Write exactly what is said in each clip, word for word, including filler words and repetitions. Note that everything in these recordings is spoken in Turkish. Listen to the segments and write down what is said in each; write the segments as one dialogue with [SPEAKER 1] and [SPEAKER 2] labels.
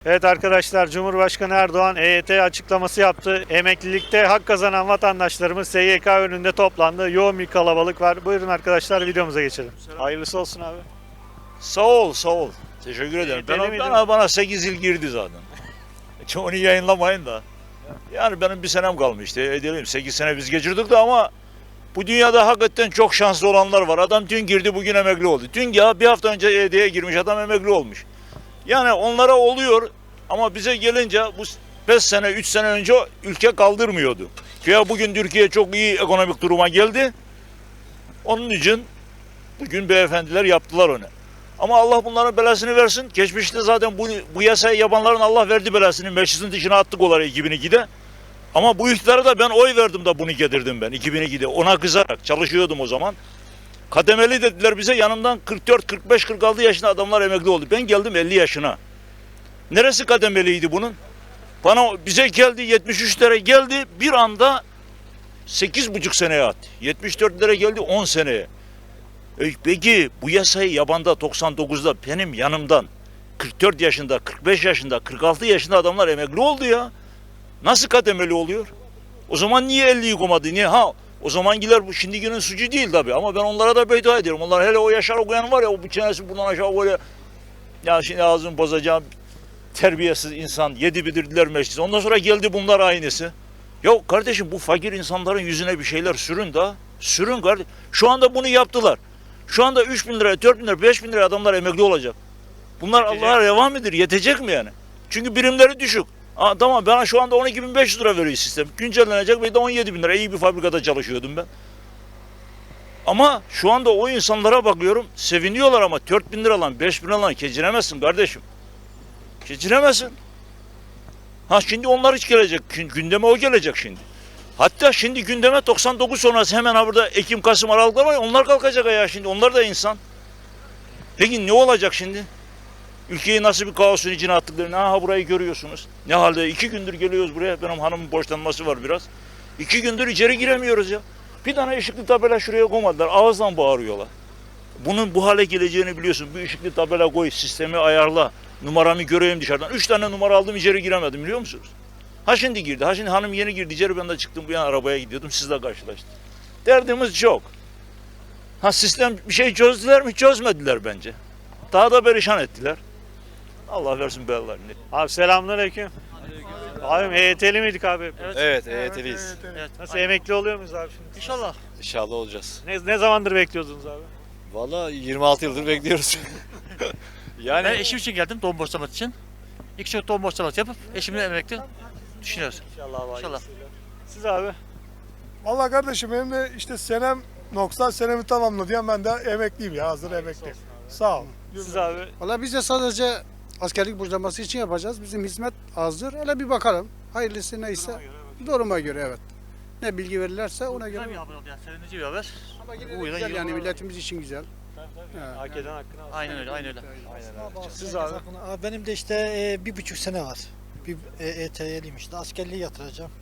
[SPEAKER 1] Evet arkadaşlar, Cumhurbaşkanı Erdoğan E Y T açıklaması yaptı. Emeklilikte hak kazanan vatandaşlarımız S Y K önünde toplandı. Yoğun bir kalabalık var. Buyurun arkadaşlar, videomuza geçelim. Hayırlısı olsun abi.
[SPEAKER 2] Sağ ol, sağ ol. Teşekkür ederim.
[SPEAKER 1] deli
[SPEAKER 2] Ben,
[SPEAKER 1] miydin?
[SPEAKER 2] bana, bana sekiz yıl girdi zaten. Onu yayınlamayın da. Yani benim bir senem kalmıştı. Edelim sekiz sene biz geçirdik de ama bu dünyada hakikaten çok şanslı olanlar var. Adam dün girdi, bugün emekli oldu. Dün ya bir hafta önce E Y T'ye girmiş adam emekli olmuş. Yani onlara oluyor ama bize gelince bu beş sene, üç sene önce ülke kaldırmıyordu. Ya bugün Türkiye çok iyi ekonomik duruma geldi. Onun için bugün beyefendiler yaptılar onu. Ama Allah bunların belasını versin. Geçmişte zaten bu, bu yasayı yapanların Allah verdi belasını. Meclisin dışına attık onları iki bin ikide. Ama bu iktidara da ben oy verdim de bunu getirdim ben iki bin ikide. Ona kızarak çalışıyordum o zaman. Kademeli dediler bize, yanımdan kırk dört, kırk beş, kırk altı yaşında adamlar emekli oldu. Ben geldim elli yaşına. Neresi kademeliydi bunun? Bana bize geldi yetmiş üç lira geldi, bir anda sekiz buçuk seneye attı. yetmiş dört lira geldi on seneye. E peki bu yasayı yabanda doksan dokuzda benim yanımdan kırk dört yaşında, kırk beş yaşında, kırk altı yaşında adamlar emekli oldu ya. Nasıl kademeli oluyor? O zaman niye elliyi koymadı? Niye? Ha, o zamankiler bu şimdikinin suçu değil tabii ama ben onlara da beddua ediyorum. Onlar hele o yaşar okuyan var ya, o bu çenesi buradan aşağı böyle, ya şimdi ağzını bozacağım terbiyesiz insan, yedi bidirdiler meclisi. Ondan sonra geldi bunlar aynısı. Ya kardeşim, bu fakir insanların yüzüne bir şeyler sürün da. Sürün kardeşim. Şu anda bunu yaptılar. Şu anda üç bin lira, dört bin lira, beş bin lira adamlar emekli olacak. Bunlar Allah'a reva midir? Yetecek mi yani? Çünkü birimleri düşük. Aa, tamam, bana şu anda on iki bin beş yüz lira veriyor sistem. Güncellenecek ve de on yedi bin lira. İyi bir fabrikada çalışıyordum ben. Ama şu anda o insanlara bakıyorum, seviniyorlar ama dört bin lira lan, beş bin lira lan geçinemezsin kardeşim. Geçinemezsin. Ha, şimdi onlar hiç gelecek. Gündeme o gelecek şimdi. Hatta şimdi gündeme doksan dokuz sonrası hemen ha burada Ekim, Kasım, Aralıklar var ya, onlar kalkacak ya şimdi. Onlar da insan. Peki ne olacak şimdi? Ülkeyi nasıl bir kaosun içine attıklarını, ha burayı görüyorsunuz. Ne halde? İki gündür geliyoruz buraya. Benim hanımın borçlanması var biraz. İki gündür içeri giremiyoruz ya. Bir tane ışıklı tabela şuraya koymadılar. Ağızdan bağırıyorlar. Bunun bu hale geleceğini biliyorsun. Bir ışıklı tabela koy, sistemi ayarla. Numaramı göreyim dışarıdan. Üç tane numara aldım, içeri giremedim, biliyor musunuz? Ha şimdi girdi. Ha şimdi hanım yeni girdi içeri, ben de çıktım bu yana arabaya gidiyordum. Sizle karşılaştım. Derdimiz çok. Ha, sistem bir şey çözdüler mi? Çözmediler bence. Daha da perişan ettiler. Allah versin belalarını.
[SPEAKER 1] Abi selamünaleyküm. Abi E Y T'li miydik abi?
[SPEAKER 3] Evet, evet E Y T'liyiz.
[SPEAKER 1] Evet. Nasıl, emekli oluyor muyuz abi şimdi?
[SPEAKER 3] İnşallah. İnşallah olacağız.
[SPEAKER 1] Ne, ne zamandır bekliyordunuz abi?
[SPEAKER 3] Vallahi yirmi altı yıldır bekliyoruz. yani
[SPEAKER 4] Ben eşim için geldim, doğum borçlaması için. İki çocuk doğum borçlaması yapıp eşimle emekli düşünüyoruz.
[SPEAKER 1] İnşallah abi.
[SPEAKER 4] İnşallah.
[SPEAKER 1] Siz abi?
[SPEAKER 5] Vallahi kardeşim benim de işte senem noksan senemi tamamladı ya, ben de emekliyim ya, hazır emekliyim. Sağ ol.
[SPEAKER 1] Siz abi?
[SPEAKER 6] Valla biz de sadece askerlik borçlanması için yapacağız. Bizim hizmet azdır. Hele bir bakalım. Hayırlısı neyse. Duruma göre evet. Ne bilgi verirlerse ona göre.
[SPEAKER 4] Güzel bir haber oldu yani, sevindirici bir haber.
[SPEAKER 6] Ama yine
[SPEAKER 4] Bu
[SPEAKER 6] de
[SPEAKER 4] yüzden
[SPEAKER 6] güzel yani,
[SPEAKER 4] yıllar-
[SPEAKER 6] milletimiz için güzel. Ha.
[SPEAKER 1] Hak eden hakkını alsın.
[SPEAKER 4] Aynen öyle, aynen öyle.
[SPEAKER 1] Siz abi?
[SPEAKER 7] Abi benim de işte e, bir buçuk sene var. Bir e, EYT'liyim işte. Askerliği yatıracağım.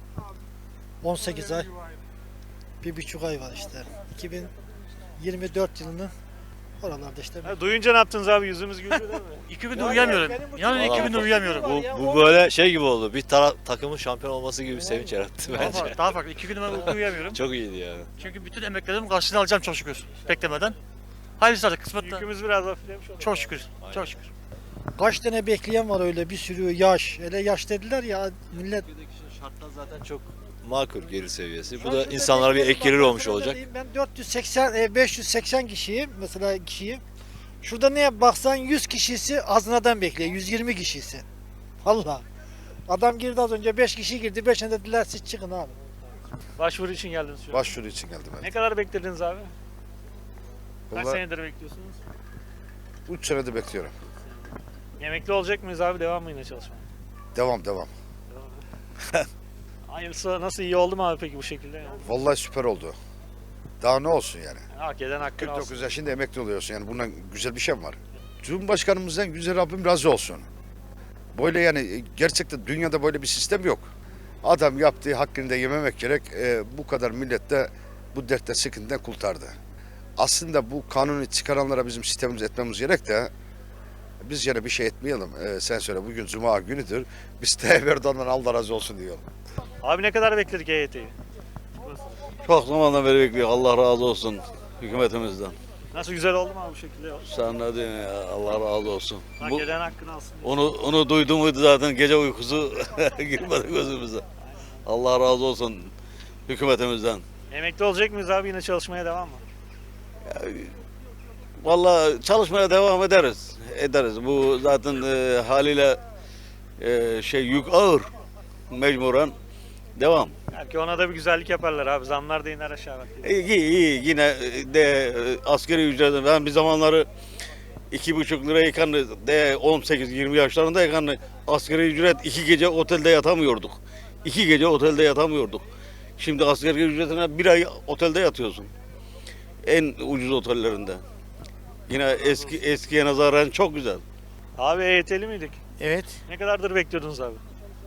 [SPEAKER 7] on sekiz ay. Bir buçuk ay var işte. iki bin yirmi dört yılının oralarda işte.
[SPEAKER 1] Ha, duyunca ne yaptınız abi? Yüzümüz güldü değil mi?
[SPEAKER 4] İki gündür uyuyamıyorum. Yani iki gündür uyuyamıyorum.
[SPEAKER 3] bu, bu böyle şey gibi oldu. Bir tara- takımın şampiyon olması gibi bir sevinç yarattı
[SPEAKER 4] Daha
[SPEAKER 3] bence.
[SPEAKER 4] farklı, daha farklı. İki gündür ben uyku uyuyamıyorum.
[SPEAKER 3] Çok iyiydi yani.
[SPEAKER 4] Çünkü bütün emeklerimi karşılığını alacağım çok şükür. Beklemeden. Hayırlısı artık kısmette.
[SPEAKER 1] Yükümüz biraz hafiflemiş oldu.
[SPEAKER 4] Çok şükür, çok şükür.
[SPEAKER 7] Kaç tane bekleyen var öyle bir sürü yaş. Hele yaş dediler ya millet.
[SPEAKER 3] Şartlar zaten çok makul gelir seviyesi. Bu da insanlara bir ek gelir olmuş olacak.
[SPEAKER 7] Ben dört yüz seksen, e, beş yüz seksen kişiyim mesela kişiyim. Şurada neye baksan yüz kişisi hazineden bekliyor. yüz yirmi kişisi. Allah. Adam girdi az önce, beş kişi girdi. beşine dediler siz çıkın abi.
[SPEAKER 1] Başvuru için geldiniz şu an.
[SPEAKER 8] Başvuru için geldim ben.
[SPEAKER 1] Ne kadar beklediniz abi? Kaç
[SPEAKER 8] Vallahi
[SPEAKER 1] senedir bekliyorsunuz?
[SPEAKER 8] üç senedir bekliyorum.
[SPEAKER 1] Emekli olacak mıyız abi? Devam mı yine çalışmaya?
[SPEAKER 8] Devam devam.
[SPEAKER 1] Hayırlısı, nasıl, iyi oldu mu abi peki bu şekilde?
[SPEAKER 8] Vallahi süper oldu. Daha ne olsun yani.
[SPEAKER 1] Hak eden hakkını
[SPEAKER 8] kırk dokuz
[SPEAKER 1] alsın.
[SPEAKER 8] yaşında emekli oluyorsun yani, bundan güzel bir şey mi var? Cumhurbaşkanımızdan güzel, Rabbim razı olsun. Böyle yani gerçekten dünyada böyle bir sistem yok. Adam yaptığı hakkını da yememek gerek. Ee, bu kadar millet de bu dertte sıkıntıdan kurtardı. Aslında bu kanunu çıkaranlara bizim sistemimiz etmemiz gerek de Biz yine bir şey etmeyelim. Ee, sen söyle bugün Cuma günüdür. Biz Tayyip Erdoğan'dan Allah razı olsun diyorum.
[SPEAKER 1] Abi ne kadar bekledik E Y T'yi?
[SPEAKER 9] Çok zamandan beri bekliyor. Allah razı olsun hükümetimizden.
[SPEAKER 1] Nasıl, güzel oldu mu abi bu şekilde?
[SPEAKER 9] Sen ne diyorsun ya? Allah razı olsun.
[SPEAKER 1] Hak
[SPEAKER 9] Bu,
[SPEAKER 1] eden hakkını alsın.
[SPEAKER 9] onu onu duydum muydu zaten gece uykusu girmedi gözümüze. Allah razı olsun hükümetimizden.
[SPEAKER 1] Emekli olacak mıyız abi, yine çalışmaya devam mı?
[SPEAKER 9] Vallahi çalışmaya devam ederiz. Ederiz. Bu zaten e, haliyle e, şey yük ağır. Mecburen devam.
[SPEAKER 1] Belki ona da bir güzellik yaparlar abi. Zamlar da iner aşağı bak.
[SPEAKER 9] İyi, iyi yine de e, asgari ücret. Ben bir zamanları iki buçuk lirayken de on sekiz yirmi yaşlarındayken asgari ücret iki gece otelde yatamıyorduk. İki gece otelde yatamıyorduk. Şimdi asgari ücretine bir ay otelde yatıyorsun. En ucuz otellerinde. Yine eski eskiye nazaran çok güzel.
[SPEAKER 1] Abi E Y T'li miydik?
[SPEAKER 10] Evet.
[SPEAKER 1] Ne kadardır bekliyordunuz abi?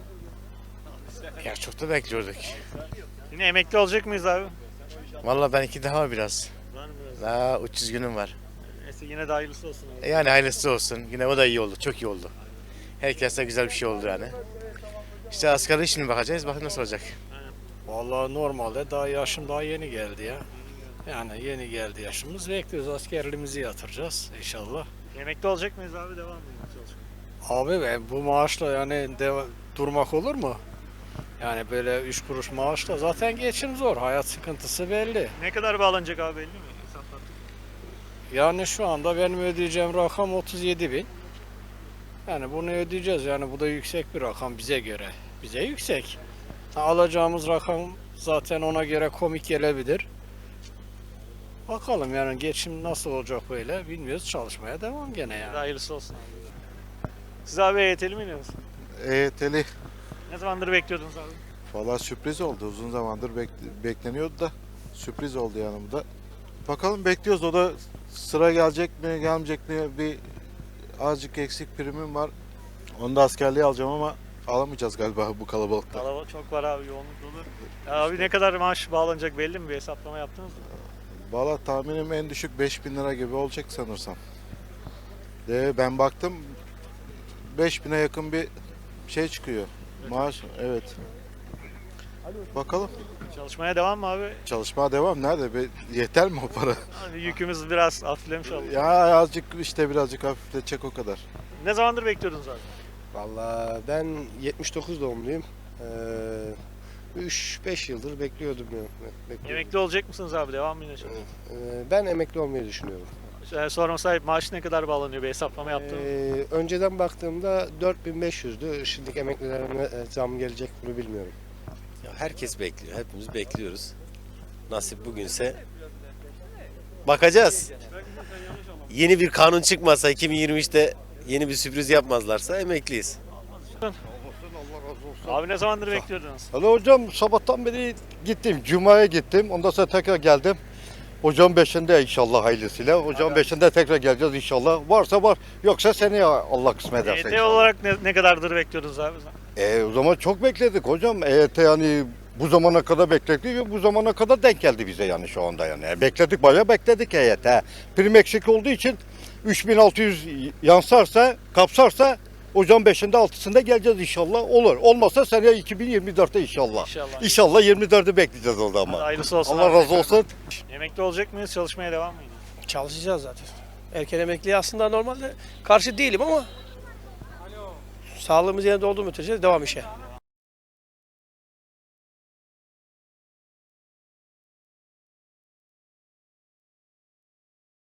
[SPEAKER 10] Ya çok da bekliyorduk.
[SPEAKER 1] Yine emekli olacak mıyız abi?
[SPEAKER 10] Vallahi ben iki daha biraz.
[SPEAKER 1] Var mı biraz?
[SPEAKER 10] Daha üç yüz günüm var.
[SPEAKER 1] Neyse, yine de hayırlısı olsun abi.
[SPEAKER 10] Yani hayırlısı olsun. Yine o da iyi oldu. Çok iyi oldu. Herkese güzel bir şey oldu yani. İşte asgari şimdi bakacağız. Bakın nasıl olacak.
[SPEAKER 11] Vallahi normalde daha yaşım daha yeni geldi ya. Yani yeni geldi yaşımız. Bekliyoruz, askerliğimizi yatıracağız inşallah.
[SPEAKER 1] Emekli olacak mıyız abi, devam mı çalışmaya?
[SPEAKER 11] Abi ben bu maaşla yani deva- durmak olur mu? Yani böyle üç kuruş maaşla zaten geçim zor. Hayat sıkıntısı belli.
[SPEAKER 1] Ne kadar bağlanacak abi, belli mi? Hesaplattık.
[SPEAKER 11] Yani şu anda benim ödeyeceğim rakam otuz yedi bin. Yani bunu ödeyeceğiz. Yani bu da yüksek bir rakam bize göre. Bize yüksek. Alacağımız rakam zaten ona göre komik gelebilir. Bakalım yani geçim nasıl olacak böyle bilmiyoruz. Çalışmaya devam gene yani.
[SPEAKER 1] Hayırlısı olsun abi. Siz abi E Y T'li miydiniz?
[SPEAKER 12] E Y T'li
[SPEAKER 1] Ne zamandır bekliyordunuz abi?
[SPEAKER 12] valla sürpriz oldu. Uzun zamandır bek- bekleniyordu da sürpriz oldu yanımda. Bakalım bekliyoruz. O da sıra gelecek mi gelmeyecek mi, bir azıcık eksik primim var. Onu da askerliğe alacağım ama alamayacağız galiba bu kalabalıkta.
[SPEAKER 1] Kalabalık çok var abi, yoğunluk dolu. Ya abi ne kadar maaş bağlanacak belli mi? Bir hesaplama yaptınız mı?
[SPEAKER 12] Valla tahminim en düşük beş bin lira gibi olacak sanırsam. De ben baktım beş bine yakın bir şey çıkıyor. Maaş, evet. Bakalım.
[SPEAKER 1] Çalışmaya devam mı abi?
[SPEAKER 12] Çalışmaya devam. Nerede? Be- Yeter mi o para?
[SPEAKER 1] Abi yükümüz biraz hafiflemiş oldu.
[SPEAKER 12] Ya azıcık işte birazcık hafifletecek o kadar.
[SPEAKER 1] Ne zamandır bekliyordunuz abi?
[SPEAKER 13] Vallahi ben yetmiş dokuz doğumluyum. üç beş yıldır bekliyordum. ya, bekliyordum.
[SPEAKER 1] Emekli olacak mısınız abi? Devam mı yine çalışmaya?
[SPEAKER 13] Ee, Ben emekli olmayı düşünüyorum.
[SPEAKER 1] Ee, Sorma sahip, maaş ne kadar bağlanıyor? Bir hesaplama yaptınız mı?
[SPEAKER 13] Ee, önceden baktığımda dört bin beş yüzdü. Şimdiki emeklilerime e, zam gelecek bunu bilmiyorum.
[SPEAKER 3] Ya herkes bekliyor. Hepimiz bekliyoruz. Nasip bugünse bakacağız. Yeni bir kanun çıkmasa iki bin yirmi üçte yeni bir sürpriz yapmazlarsa emekliyiz.
[SPEAKER 1] Abi ne zamandır bekliyordunuz?
[SPEAKER 14] Alo hocam, sabahtan beri gittim. Cuma'ya gittim. Ondan sonra tekrar geldim. Hocam beşinde inşallah hayırlısıyla. Hocam beşinde tekrar geleceğiz inşallah. Varsa var. Yoksa seneye Allah kısmet
[SPEAKER 1] E
[SPEAKER 14] ederse
[SPEAKER 1] Y T
[SPEAKER 14] inşallah.
[SPEAKER 1] olarak ne, ne kadardır bekliyordunuz abi?
[SPEAKER 14] E, o zaman çok bekledik hocam. E Y T yani bu zamana kadar bekledik ve bu zamana kadar denk geldi bize yani şu anda yani. E, bekledik, bayağı bekledik E Y T. Prim eksik olduğu için üç bin altı yüz yansarsa, kapsarsa hocam beşinde altısında geleceğiz inşallah. Olur. Olmazsa seneye iki bin yirmi dörtte inşallah.
[SPEAKER 1] İnşallah.
[SPEAKER 14] İnşallah yirmi dörtte bekleyeceğiz o zaman.
[SPEAKER 1] Hadi hayırlısı olsun
[SPEAKER 14] Allah
[SPEAKER 1] abi.
[SPEAKER 14] razı olsun.
[SPEAKER 1] Emekli olacak mıyız? Çalışmaya devam mı yine?
[SPEAKER 11] Çalışacağız zaten. Erken emekliye aslında normalde karşı değilim ama sağlığımız yerinde olduğu müddetçe devam işe.